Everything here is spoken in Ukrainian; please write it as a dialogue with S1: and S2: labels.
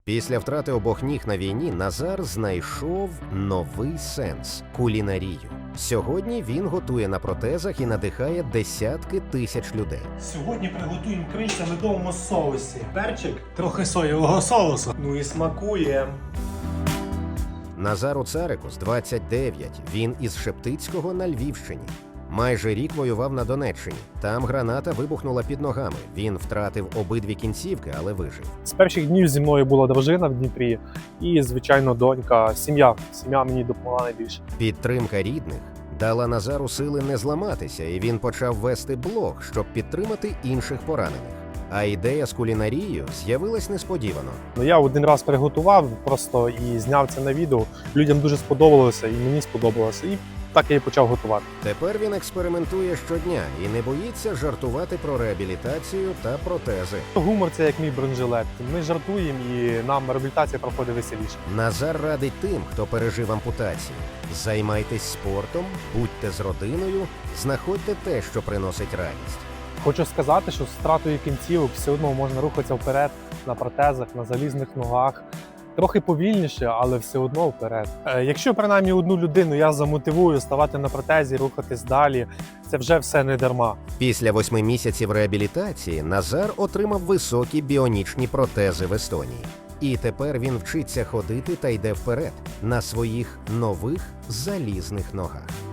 S1: Після втрати обох ніг на війні Назар знайшов новий сенс – кулінарію. Сьогодні він готує на протезах і надихає десятки тисяч людей.
S2: Сьогодні приготуємо крильця в медовому соусі. Перчик, трохи соєвого соусу. Ну і смакує.
S1: Назару Царику з 29, він із Шептицького на Львівщині. Майже рік воював на Донеччині. Там граната вибухнула під ногами. Він втратив обидві кінцівки, але вижив.
S3: З перших днів зі мною була дружина в Дніпрі і, звичайно, донька, сім'я. Сім'я мені допомогла найбільше.
S1: Підтримка рідних дала Назару сили не зламатися, і він почав вести блог, щоб підтримати інших поранених. А ідея з кулінарією з'явилась несподівано.
S3: Я один раз приготував просто і зняв це на відео. Людям дуже сподобалося і мені сподобалося. І так я і почав готувати.
S1: Тепер він експериментує щодня і не боїться жартувати про реабілітацію та протези.
S3: Гумор – це як мій бронежилет. Ми жартуємо і нам реабілітація проходить веселіше.
S1: Назар радить тим, хто пережив ампутацію. Займайтесь спортом, будьте з родиною, знаходьте те, що приносить радість.
S3: Хочу сказати, що з втратою кінцівок все одно можна рухатися вперед на протезах, на залізних ногах. Трохи повільніше, але все одно вперед. Якщо принаймні одну людину я замотивую ставати на протезі, рухатись далі, це вже все не дарма.
S1: Після 8 місяців реабілітації Назар отримав високі біонічні протези в Естонії. І тепер він вчиться ходити та йде вперед на своїх нових залізних ногах.